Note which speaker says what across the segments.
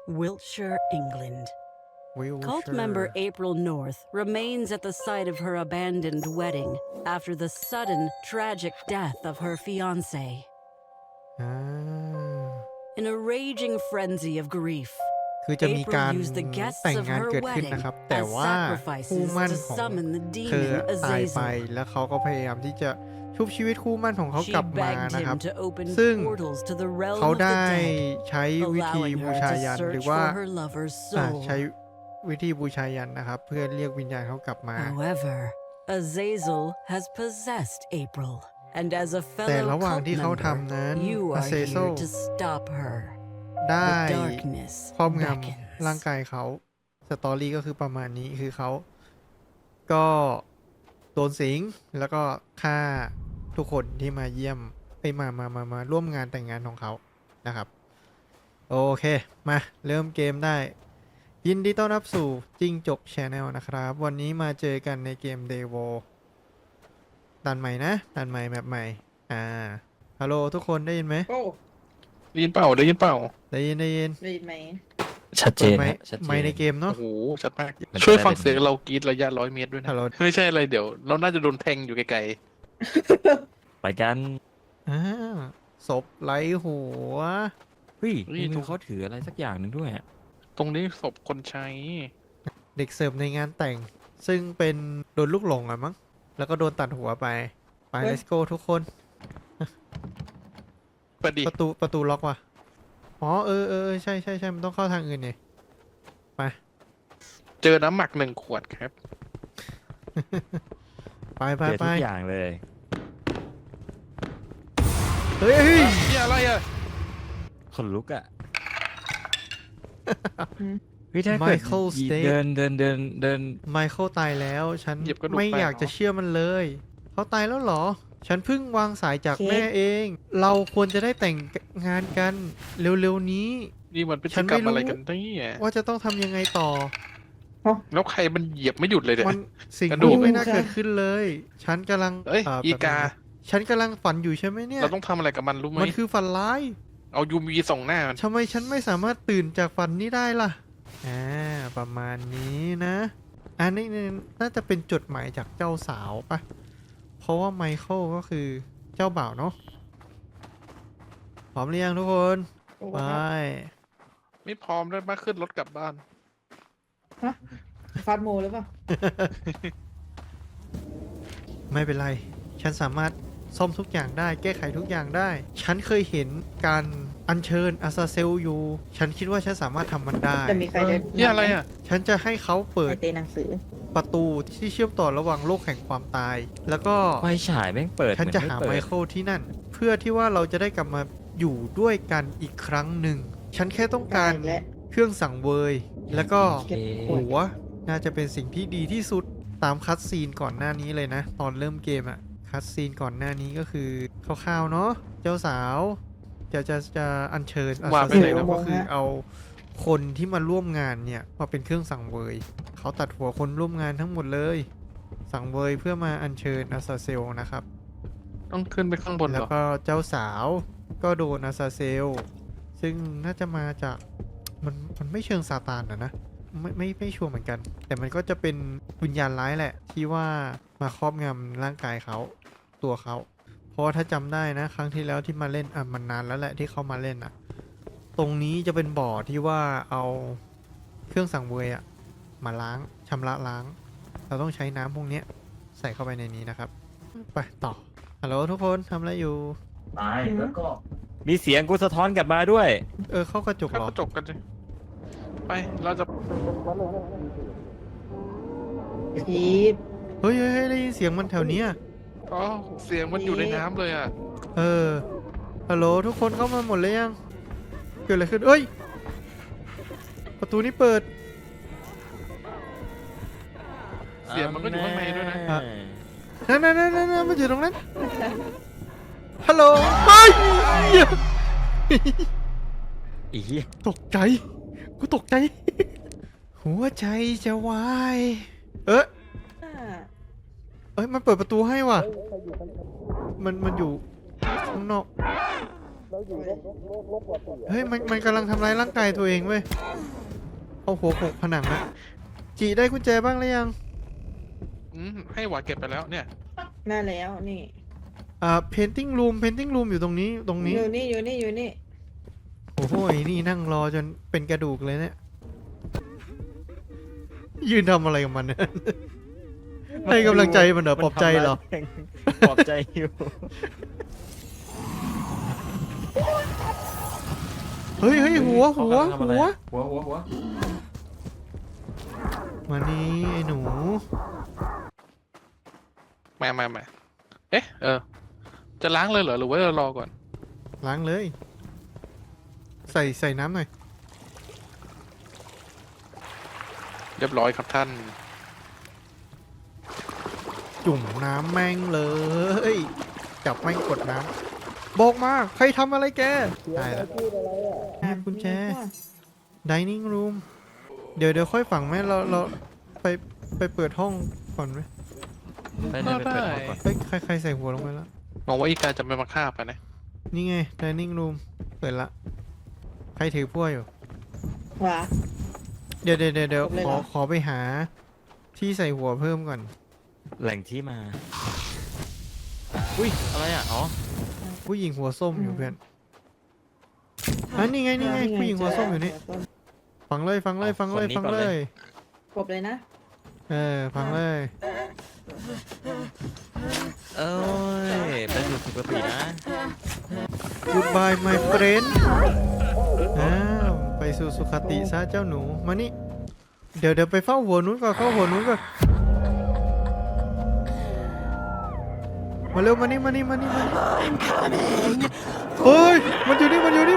Speaker 1: Wiltshire, England.
Speaker 2: วิล
Speaker 1: Cult
Speaker 2: เชอ
Speaker 1: member
Speaker 2: ร์
Speaker 1: April North remains at the site of her abandoned wedding after the sudden, tragic death of her fiancé.
Speaker 2: อ่า
Speaker 1: In a raging frenzy of grief,
Speaker 2: คือจะมีการ
Speaker 1: April used the guests
Speaker 2: แต่ง
Speaker 1: of
Speaker 2: งาน
Speaker 1: her
Speaker 2: เกิดขึ้น
Speaker 1: wedding
Speaker 2: นะครับ แต่
Speaker 1: as
Speaker 2: ว่าคู่
Speaker 1: sacrifices
Speaker 2: มั่น
Speaker 1: to
Speaker 2: ของ
Speaker 1: summon the
Speaker 2: เธอ
Speaker 1: demon
Speaker 2: ตายไป
Speaker 1: Azazel.
Speaker 2: แล้วเขาก็พยายามที่จะชุบชีวิตคู่มั่นของเขา
Speaker 1: She
Speaker 2: กลับมา
Speaker 1: begged
Speaker 2: นะครับ
Speaker 1: him to open
Speaker 2: ซึ่ง
Speaker 1: portals to the realm
Speaker 2: เขา
Speaker 1: of the
Speaker 2: ได้
Speaker 1: dead,
Speaker 2: ใช้วิธี
Speaker 1: allowing
Speaker 2: บู
Speaker 1: her
Speaker 2: ชา
Speaker 1: to
Speaker 2: ยันหรือ
Speaker 1: search
Speaker 2: ว่า
Speaker 1: for her lover's
Speaker 2: ใช้
Speaker 1: soul.
Speaker 2: วิธีบูชายันนะครับ เพื่อเรียกวิญญาณเขากลับมา
Speaker 1: However, Azazel has possessed April, and as a
Speaker 2: แต่
Speaker 1: fellow
Speaker 2: ระหว่าง
Speaker 1: cult
Speaker 2: ที่เขา
Speaker 1: member,
Speaker 2: ทำนั้น
Speaker 1: you
Speaker 2: อา
Speaker 1: are
Speaker 2: เซโซ
Speaker 1: here to stop her.
Speaker 2: ได้
Speaker 1: The darkness
Speaker 2: ครอบงำ
Speaker 1: beckons.
Speaker 2: ร่างกายเขาสตอรี่ก็คือประมาณนี้คือเขาก็โดนสิงแล้วก็ฆ่าทุกคนที่มาเยี่ยมไปมาร่วมงานแต่งงานของเขานะครับ โอเคมาเริ่มเกมได้ ยินดีต้อนรับสู่จิ้งจกชาแนลนะครับ วันนี้มาเจอกันในเกมเดโวด่านใหม่นะด่านใหม่แบบใหม่ฮัลโหลทุกคนได้ยินไหม
Speaker 3: โอ้
Speaker 4: ได้ยินเปล่าได้ยินเปล่า
Speaker 2: ได้ยิน
Speaker 3: ได้ยินไหม
Speaker 5: ชัดเจ
Speaker 2: เปิด
Speaker 5: น
Speaker 2: ไม
Speaker 5: ฮะ
Speaker 2: ค์
Speaker 5: ชัดเจ
Speaker 2: ไมค์ใน
Speaker 5: น
Speaker 2: เกมเนาะ
Speaker 4: โอ้โหชัดมาก
Speaker 5: มันจะ
Speaker 4: ช่วย
Speaker 5: ได้
Speaker 4: ฟัง
Speaker 5: เป็น
Speaker 4: เสียงเรากรีดระยะ100 เมตรด้วยนะ
Speaker 2: ฮัลโหล
Speaker 4: ไม่ใช่อะไรเดี๋ยว เราน่าจะโดนแทงอยู่ไกล
Speaker 5: ไปกัน
Speaker 2: ศพไร้หัว
Speaker 5: เฮ้ยในมือเขาถืออะไรสักอย่างหนึ่งด้วยอะ
Speaker 4: ๆ ตรงนี้ศพคนใช้
Speaker 2: เด็กเสิร์ฟในงานแต่ง ซึ่งเป็นโดนลูกหลงอะมั้งแล้วก็โดนตัดหัวไป let's go ทุกคน
Speaker 4: ประดิษ
Speaker 2: ป
Speaker 4: ฐ์
Speaker 2: ระตูล็อกว่ะ อ๋อใช่มันต้องเข้าทางอื่นนี่ไป
Speaker 4: เจอน้ำหมัก1 ขวดครับ
Speaker 2: ไป
Speaker 5: เจอทุกอย่างเลย
Speaker 2: เฮ้ย
Speaker 4: นี่อะไรอ่ะ
Speaker 5: คนลุกอ่ะเฮ้ยถ้า
Speaker 2: ไม
Speaker 5: เกิด
Speaker 2: เคิลสเตท
Speaker 5: เดิน
Speaker 2: ไมเคิลตายแล้ว ฉัน
Speaker 4: เหยียบกระดูก
Speaker 2: ไม่
Speaker 4: แตก
Speaker 2: อยากจะ
Speaker 4: เหรอ
Speaker 2: เชื่อมันเลย เขาตายแล้วเหรอ ฉันเพิ่งวางสายจากแม่เอง เราควรจะได้แต่งงานกันเร็วๆนี้
Speaker 4: นี่มันพฤ
Speaker 2: ฉั
Speaker 4: ติ
Speaker 2: น
Speaker 4: ก
Speaker 2: ไม่
Speaker 4: รรม
Speaker 2: รู้
Speaker 4: อะไรกันเนี่ย
Speaker 2: ว่าจะต้องทำยังไงต่อ
Speaker 4: แล้วใครมันเหยียบไม่หยุดเลยเนี่ย
Speaker 2: มันสิ่ง
Speaker 4: กระดู
Speaker 2: นี้
Speaker 4: ก
Speaker 2: ไม่น่าเกิดขึ้นเลย ฉันกำลัง
Speaker 4: เอ้ยอีกา
Speaker 2: ฉันกำลังฝันอยู่ใช่ไหมเนี่ย
Speaker 4: เราต้องทำอะไรกับมันรู้ไหม
Speaker 2: มันคือฝันร้าย
Speaker 4: เอายูมีส่องหน้ามัน
Speaker 2: ทำไมฉันไม่สามารถตื่นจากฝันนี้ได้ล่ะ ประมาณนี้นะ อันนี้น่าจะเป็นจดหมายจากเจ้าสาวปะ เพราะว่าไมเคิลก็คือเจ้าบ่าวเนาะ พร้อมหรือยังทุกคน
Speaker 3: โอ้
Speaker 2: ไป
Speaker 4: ไม่พร้อมด้วยมาขึ้นรถกลับบ้าน
Speaker 3: ฟาดโมหรือเปล่า
Speaker 2: ไม่เป็นไร ฉันสามารถซ่อมทุกอย่างได้ แก้ไขทุกอย่างได้ ฉันเคยเห็นการอัญเชิญอาซาเซลอยู่ ฉันคิดว่าฉันสามารถทำมันได้
Speaker 3: จะมีใครได้
Speaker 4: นี่อะไรอ่ะ
Speaker 2: ฉันจะให้เขาเปิด
Speaker 3: ในเตหนังสือ
Speaker 2: ประตูที่เชื่อมต่อระหว่างโลกแห่งความตาย แล้วก็
Speaker 5: ไฟฉายแม่งเปิด
Speaker 2: ฉันจะหา
Speaker 5: เมือ
Speaker 2: ไม
Speaker 5: ไม่เปิด
Speaker 2: เคิลที่นั่น เพื่อที่ว่าเราจะได้กลับมาอยู่ด้วยกันอีกครั้งหนึ่ง ฉันแค่ต้องการ
Speaker 3: ได้และ
Speaker 2: เครื่องสังเวย แล้วก็
Speaker 5: โอเค
Speaker 2: หัวน่าจะเป็นสิ่งที่ดีที่สุดตามคัตซีนก่อนหน้านี้เลยนะ ตอนเริ่มเกมอะคัตซีนก่อนหน้านี้ก็คือคร่าวๆเนาะเจ้าสาวจะอัญเชิญอา
Speaker 4: ว่า
Speaker 2: ซา
Speaker 4: ไป
Speaker 2: เซ
Speaker 4: ไหน
Speaker 2: ล
Speaker 4: แล้ว
Speaker 2: ก็คือเอาคนที่มาร่วมงานเนี่ยมาเป็นเครื่องสังเวย เขาตัดหัวคนร่วมงานทั้งหมดเลย สังเวยเพื่อมาอัญเชิญอาซาเซลนะครับ
Speaker 4: ต้องขึ้นไปข้างบนเห
Speaker 2: แล้
Speaker 4: ร
Speaker 2: ว
Speaker 4: อ
Speaker 2: ก็เจ้าสาวก็โดนอาซาเซล ซึ่งน่าจะมาจากมันไม่เชิงซาตานนะไม่ชัวร์เหมือนกัน แต่มันก็จะเป็นวิญญาณร้ายแหละ ที่ว่ามาครอบงำร่างกายเขาตัวเขา เพราะว่าถ้าจำได้นะ ครั้งที่แล้วที่มาเล่นมันนานแล้วแหละที่เขามาเล่นตรงนี้จะเป็นบ่อที่ว่าเอาเครื่องสังเวยมาล้างชำระล้าง เราต้องใช้น้ำพวกนี้ใส่เข้าไปในนี้นะครับ ไปต่อฮัลโหลทุกคนทำอะไรอยู่
Speaker 6: ตายแล้วก็
Speaker 5: มีเสียงกูสะท้อนกลับมาด้วย
Speaker 2: เข้ากระจก
Speaker 4: เข้า
Speaker 2: เหรอก
Speaker 4: ระจกกันสิไป เราจะ
Speaker 3: พีท
Speaker 2: เฮ้ยได้ยินเสียงมันแถวเนี้ย
Speaker 4: อ๋อเสียงมันอยู่ในน้ำเลยอ่ะ
Speaker 2: ฮัลโหลทุกคนเข้ามาหมดเลยยัง เกิดอะไรขึ้น เอ้ย ประตูนี้เปิด
Speaker 4: เสียงมันก็อยู่ข้างในด้วยนะ
Speaker 2: อ่ะ นั่นมันอยู่ตรงนั้น ฮัลโหลเฮ้ยเหี้ย
Speaker 5: อีเหี้ย
Speaker 2: ตกใจ กูตกใจ หัวใจจะวาย เอ้ยมันเปิดประตูให้ว่ะ มันอยู่ข้างนอกเฮ้ยมันกำลังทำร้ายร่างกายตัวเองเว้ยเอาหัวโขกผนังนะจีได้กุญแจบ้างหรือยัง
Speaker 4: ให้หวาเก็บไปแล้วเนี่ย
Speaker 3: น่าแล้วนี่
Speaker 2: painting room อยู่ตรงนี้
Speaker 3: อยู่นี่อยู่นี่อยู่นี่
Speaker 2: โอ้โหนี่นั่งรอจนเป็นกระดูกเลยเนี่ยยืนทำอะไรกับมันเนี่ยให้กำลังใจมันเหรอปลอบใจเหรอ
Speaker 5: ปลอบใจอยู่
Speaker 2: เฮ้ยหัว
Speaker 5: หัว
Speaker 2: มานี่ไอ้หนู
Speaker 4: มาเอ๊ะจะล้างเลยเหรอหรือว่าจะรอก่อน
Speaker 2: ล้างเลย ใส่น้ำหน่อย
Speaker 4: เรียบร้อยครับท่าน
Speaker 2: จุ่มน้ำแม่งเลย จับแม่งกดน้ำบอกมาใครทำอะไรแกได้แล้วนี่กุญแจ dining room เดี๋ยวค่อยฝังไหมเราไปเปิดห้องก่อนไหม
Speaker 5: ไปเปิดห้องก่อน
Speaker 2: เฮ้ยใครใส่หัวลงไปแล้ว
Speaker 4: มองว่าอีกาจะไม่มาฆ่าไปนะ
Speaker 2: นี่ไง dining room เปิดละใครถือพวกอยู่
Speaker 3: หวา
Speaker 2: เดี๋ยว
Speaker 3: ครบเลยเหรอ
Speaker 2: ขอไปหาที่ใส่หัวเพิ่มก่อน
Speaker 5: แหล่งที่มา อุ้ยอะไรอ่ะอ๋อ
Speaker 2: ผู้หญิงหัวส้มอยู่เพื่อนนี่ไงผู้หญิงหัวส้มอยู่นี่ ฟังเลย
Speaker 5: กบเลยนะ
Speaker 2: ฟังเลย
Speaker 5: เอ้ยไปสู่สุคตินะ
Speaker 2: Goodbye my friend ไปสู่สุขติซะเจ้าหนู มานี่ เดี๋ยวไปเฝ้าหัวนู้นก่อนเข้าหัวนู้นก่อนมาเร็วมานี่เฮ้ยมันอยู่นี่
Speaker 5: อะไรไหน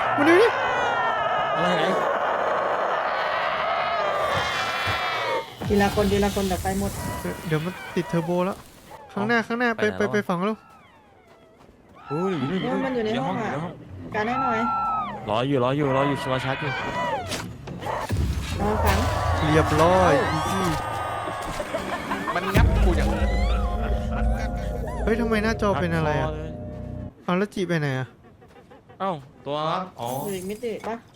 Speaker 3: ทีละคนเดี๋ยวไปหมด
Speaker 2: เดี๋ยวมันติดเทอร์โบแล้ว ข้างหน้าไปฝั่งแล้ว
Speaker 5: อุ้ยอยู่นี่
Speaker 3: มันอยู่ในห้องอ่ะ
Speaker 5: ยู่
Speaker 3: การให้หน่อย
Speaker 5: รออยู่รอชาร์จอยู่
Speaker 3: นอนขัง
Speaker 2: เรียบร้อยอีซี่
Speaker 4: มันงับกูอย่างนี้
Speaker 2: เฮ้ยทำไมหน้าจอเป็นอะไรอ่ะ
Speaker 5: หักคลย
Speaker 2: เอาแล้วจีไปไหนอ่ะ
Speaker 5: เอ้าตัวอ๋อ
Speaker 3: อยู่อีกมิติปะ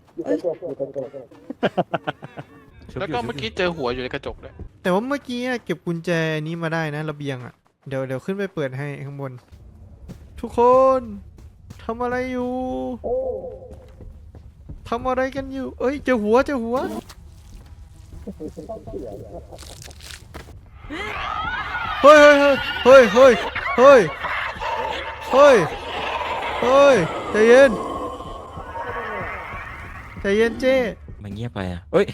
Speaker 4: แล้วก็เมื่อกี้เจอหัวอยู่ในกระจกเลย
Speaker 2: แต่ว่าเมื่อกี้เก็บกุญแจนี้มาได้นะระเบียงอ่ะ เดี๋ยวขึ้นไปเปิดให้ข้างบน ทุกคนทำอะไรอยู่ทำอะไรกันอยู่ เอ้ยเจอหัวเฮ้ยใจเย็นเจ้
Speaker 5: มันเงียบไปอ่ะเอ้ย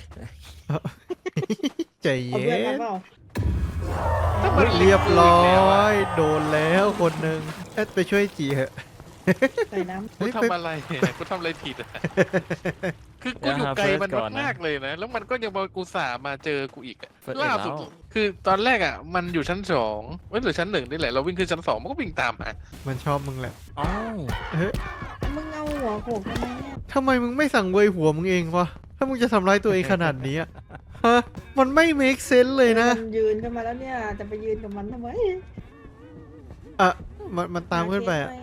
Speaker 2: ใจ
Speaker 3: เอา
Speaker 2: เย็
Speaker 3: เพื่อนมาน เปล่า
Speaker 2: เรียบร้อยโดนแล้วคนหนึ่งไปช่วยจีเหอะ
Speaker 3: ใส่น้
Speaker 4: กูทำอะไรกูทำอะไรผิดอะคือกูอยู่ไกลมันมากๆเลยนะ แล้วมันก็ยังมากูสามาเจอกูอีกอะล่าสุดคือตอนแรกอะมันอยู่ชั้น2หรือชั้น1นี่แหละเราวิ่งขึ้นชั้น2มันก็วิ่งตามมา
Speaker 2: มันชอบมึงแหละ
Speaker 5: อ้าว
Speaker 2: เฮ้ย
Speaker 3: ำมึงเอาหัวโขกทำไมเนี่ย
Speaker 2: ทำไมมึงไม่สั่งเวยหัวมึงเองวะถ้ามึงจะทำร้ายตัวเองขนาดนี้อะฮะมันไม่ make sense เลยนะ
Speaker 3: มันยืนขึ้นมาแล้วเนี่ย จะไปยืนกับมันทำไม
Speaker 2: มันตามขึ้นไปอะ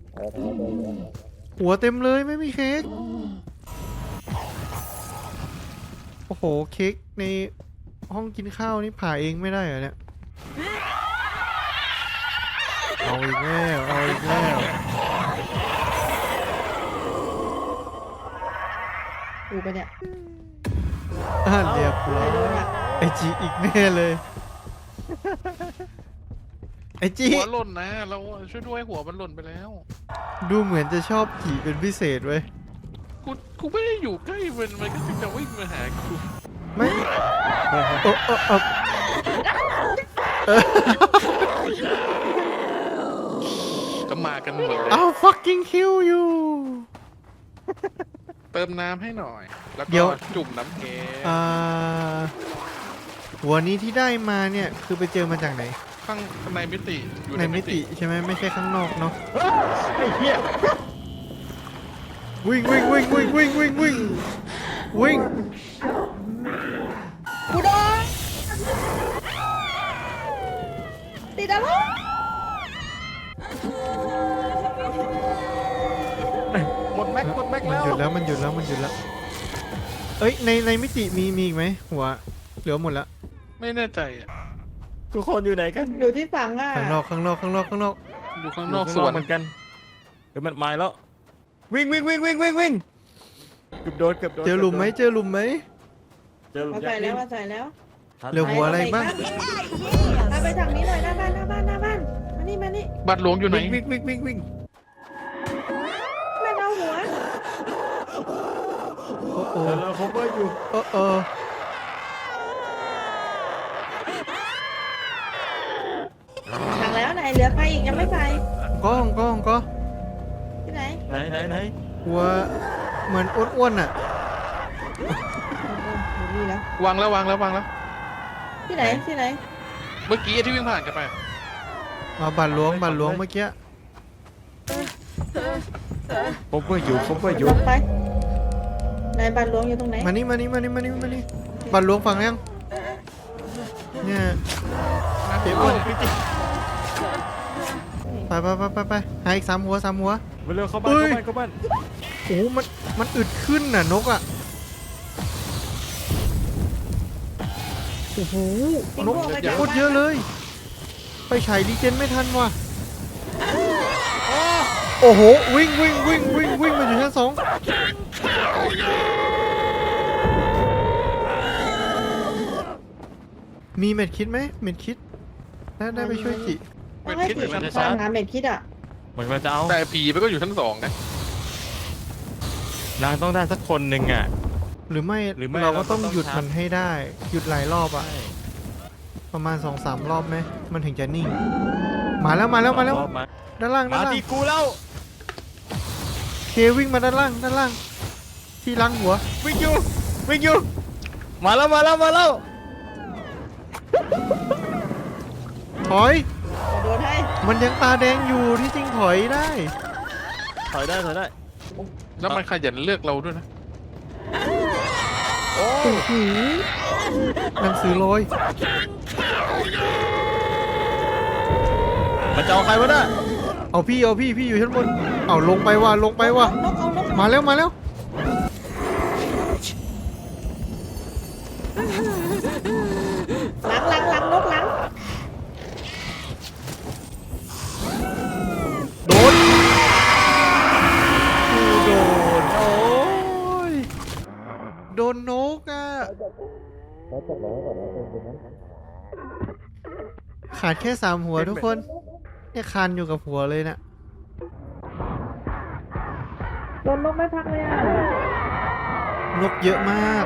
Speaker 2: หัวเต็มเลยไม่มีเค้กโอ้โหเค้กในห้องกินข้าวนี่ผ่าเองไม่ได้เหรอเนี่ยเอาอีกแล้ว
Speaker 3: ดูไปเนี่ย
Speaker 2: เรียบร้อย
Speaker 3: ไปดูเนี่ย
Speaker 2: ไอจีอีกแน่เลยไอจี
Speaker 4: หัวหล่นนะเราช่วยด้วยหัวมันหล่นไปแล้ว
Speaker 2: ดูเหมือนจะชอบจีเป็นพิเศษเว้ย
Speaker 4: กูไม่ได้อยู่ใกล้มันก็จะวิ่งมาหากู
Speaker 2: ไม่
Speaker 4: ก็มากันหมดเลย
Speaker 2: เอา fucking kill you
Speaker 4: เติมน้ำให้หน่อย แล้ว
Speaker 2: เดี๋
Speaker 4: ก็
Speaker 2: ยว
Speaker 4: จุ่มน้ำแกง
Speaker 2: หัวนี้ที่ได้มาเนี่ยคือไปเจอมาจากไหน
Speaker 4: ข้างในมิติอยู่
Speaker 2: ในมิติใช่ไหมไม่ใช่ข้างนอกเนาะ
Speaker 5: ไอ้เหี้ย
Speaker 2: วิ่ง
Speaker 3: กูโดนติดอะไร
Speaker 5: ไหน
Speaker 2: มันหยุดแล้วมันหยุดแล้วเอ้ยในมิติมีอีกไหมหัวเหลือหมดแล้ว
Speaker 4: ไม่แน่ใจอ่ะ
Speaker 5: ทุกคนอยู่ไหนกัน
Speaker 3: อยู่ที่ฝั่งอ่ะ
Speaker 2: ข้างนอกข้างนอกข้างนอกข้างนอก
Speaker 4: อยู่ข้าง
Speaker 5: อน
Speaker 4: อก
Speaker 5: ยู่
Speaker 4: สวน
Speaker 5: เหมือนกันเดี๋ยวมันมาแล้ววิ่งวิ่งวิ่งวิ่งวิ่งวิ่งเกือบโดนเกือบโดน
Speaker 2: เจอหลุมไหมเจอหลุมไหม
Speaker 5: เจอหลุม
Speaker 3: มา
Speaker 5: ยั
Speaker 3: ใส่
Speaker 5: กษ์
Speaker 3: แล้ว
Speaker 5: นี่
Speaker 3: มาใส่แล้ว
Speaker 2: เหลือหัวอะไรบ้าง
Speaker 3: มาไปทางนี้หน่อยหน้าบ้านมานี่มานี่
Speaker 4: บัตรหลวงอยู่ไหน
Speaker 5: วิ่งวิ่งวิ่งวิ่ง
Speaker 3: ไม่เอาหัว
Speaker 2: โอ้โห
Speaker 5: เราคบเวอร์อยู่
Speaker 2: โอ้โห
Speaker 3: สั่งแล้วไหนเหลือใครอีกยังไม่ใส่
Speaker 2: กล้องก็
Speaker 3: ที่ไหน
Speaker 5: ไหน
Speaker 2: หัวเหมือนอ้วนๆอ่ะ
Speaker 3: อยู่นี่แล้ว
Speaker 4: วางแล้ว
Speaker 3: ที่ไหนที่ไหน
Speaker 4: เมื่อกี้ที่วิ่งผ่านกันไป
Speaker 2: มาบัตรหลวงเมื่อกี้
Speaker 5: คบเวอร์อยู่คบเวอร์อยู่
Speaker 3: ลงไปไหนบ้านหลวงอยู่ตรงไหน
Speaker 2: มานี่บัตรหลวงฝั่งยังเนี่ยเดี๋ยวอ้วนไปหาอีก3 หัว
Speaker 5: มาเร็วเข้าบ้าน
Speaker 2: เอ้ย
Speaker 5: เข้าบ้าน
Speaker 2: โอ้โหมันอึดขึ้นน่ะนกอ่ะโอ้โหนกโคตรเยอะเลย ไปฉายดีเจนไม่ทันว่ะโอ้โหวิ่งมาอยู่ชั้น2มีเม็ดคิดไหมเม็ดคิดได้ไปช่วยจิ
Speaker 3: ต้องให้ผีทำงานเม็ดคิดอ่ะ
Speaker 5: เหมือนมันจะเอา
Speaker 4: แต่ผีมันก็อยู่ชั้น2นะ
Speaker 5: นางต้องได้สักคนหนึ่งอ่ะ
Speaker 2: หรือไม่
Speaker 5: เรา
Speaker 2: เรา
Speaker 5: ก็
Speaker 2: ก็ต้อง
Speaker 5: ต้อง
Speaker 2: หยุด
Speaker 5: ทำ
Speaker 2: มันให้ได้ หยุดหลายรอบอะประมาณ 2-3 รอบไหมมันถึงจะนิ่ง มาแล้ว
Speaker 5: รอบมา
Speaker 2: ด้านล่าง
Speaker 5: มาที่กูแล้ว
Speaker 2: เควิ่งมาด้านล่าง ที่ล้างหัว
Speaker 5: วิ่งอยู่มาแล้ว
Speaker 2: ถอย
Speaker 3: โดนให้
Speaker 2: มันยังตาแดงอยู่ที่จริงถอยได้
Speaker 5: ถอยได้
Speaker 4: แล้วมันขยันเลือกเราด้วยนะ
Speaker 5: โอ้
Speaker 2: โอ้โหหนังสือลอย
Speaker 5: มันจะเอาใครวะน่ะ
Speaker 2: เอาพี่อยู่ชั้นบนเอาลงไปว่ะ
Speaker 3: นกเอานก
Speaker 2: มาแล้ว
Speaker 3: หลังนกหลัง
Speaker 2: โดนโอ้ยโดนนกอ่ะขาดแค่3 หัวทุกคนเนี่ยคานอยู่กับหัวเลยน่ะ
Speaker 3: โดนนกไม่พักเลยอ่ะ
Speaker 2: นกเยอะมาก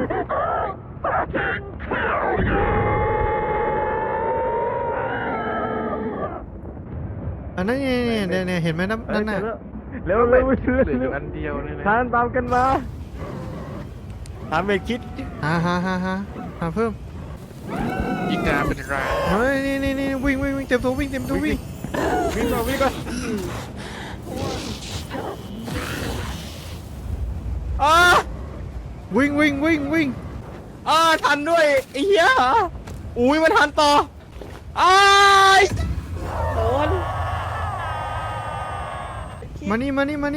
Speaker 2: อันนั้นเนี่ยเห็นไหมนั่นน่ะ
Speaker 5: เร็ว
Speaker 4: เหลืออยู่อันเดียวเลยนะ
Speaker 5: ทานตามกันมาหาเมฆคิด
Speaker 2: หาเพิ่ม
Speaker 4: อีกาเป็นราย
Speaker 2: เฮ้ยนี่วิ่งเต็มตัววิ่ง
Speaker 5: วิ่งก่อนอ่า
Speaker 2: วิ่ง
Speaker 5: ทันด้วยไอ้เหี้ยอุ้ยมันทันต่ออ้าย
Speaker 3: โดน
Speaker 2: มานี่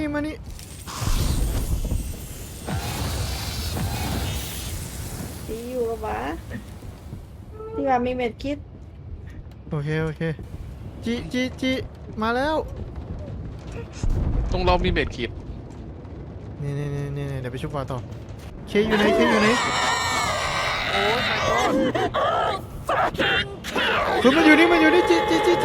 Speaker 3: ที่อยู่กับหมาที่ว่ามีเม็ดคิด
Speaker 2: โอเคจิมาแล้ว
Speaker 4: ตรงเรามีเบ็ดขีด
Speaker 2: นี่เดี๋ยวไปชุบปลาต่อเคอยู่ไหน
Speaker 4: โอ้ยmy god
Speaker 2: คุณมันอยู่นี่จิ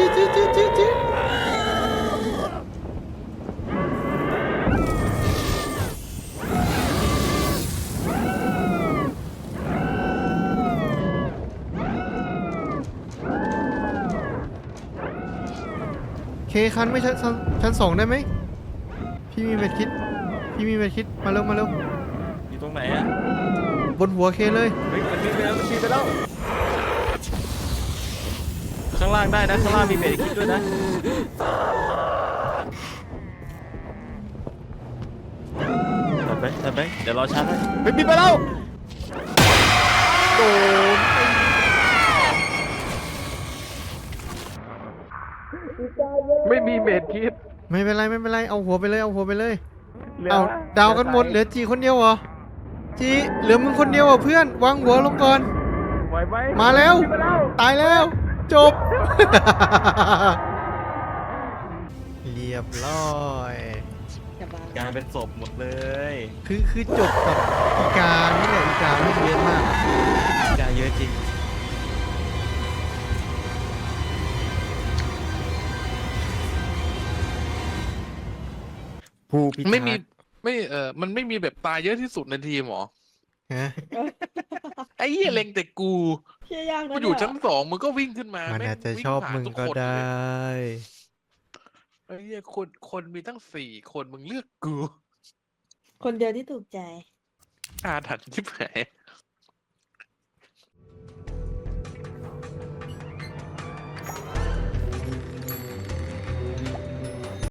Speaker 2: เคคันไม่ชั้น 2ได้ไหมพี่มีเม็ดคิดมาเร็ว
Speaker 5: อยู่ตรงไหนอ่ะ
Speaker 2: บนหัวเคเลย
Speaker 5: เฮ้ยมันบินไปแล้วข้างล่างได้นะข้างล่างมีเมฆคิดด้วยนะตัดไปเดี๋ยวรอชาร์จให้บินไปแล้วโดน
Speaker 4: ไม่มีเบ็ดขีด
Speaker 2: ไม่เป็นไรเอาหัวไปเลยเอาดาวกันหมดเหลือจีคนเดียวเหรอจีเหลือมึงคนเดียวเหรอเพื่อนวางหัวลงก่อน
Speaker 5: ไหวไหม
Speaker 2: มาแล้ว
Speaker 5: ขึ้นมาแล้ว
Speaker 2: ตายแล้ว จบ เรียบร้อย
Speaker 3: อย่าบ้าก
Speaker 5: ลายเป็นศพหมดเลย
Speaker 2: คือจบกับอีกานี่แหละอีกาไม่เยอะมาก
Speaker 5: กายเยอะจริง ผู้พิทักษ์
Speaker 4: ไม่มีไม่มันไม่มีแบบตายเยอะที่สุดในทีมหรอ
Speaker 2: ฮะ
Speaker 4: ไอ้เหี้ยเล็งแต่กู
Speaker 3: เชี่ยยากนะ
Speaker 4: กูอยู่ชั้น2มึงก็วิ่งขึ้นมา
Speaker 2: มัน
Speaker 4: แง
Speaker 2: อาจจะ
Speaker 4: วิ่
Speaker 2: ชอบ
Speaker 4: ผ่าน
Speaker 2: มึง
Speaker 4: ทุ
Speaker 2: ก็
Speaker 4: คน
Speaker 2: ได
Speaker 4: เลย้ ไอ้เหี้ยคนมีตั้ง4 คนมึงเลือกกู
Speaker 3: คนเดียวที่ถูกใจ
Speaker 4: อาถรรพ์ชิบหาย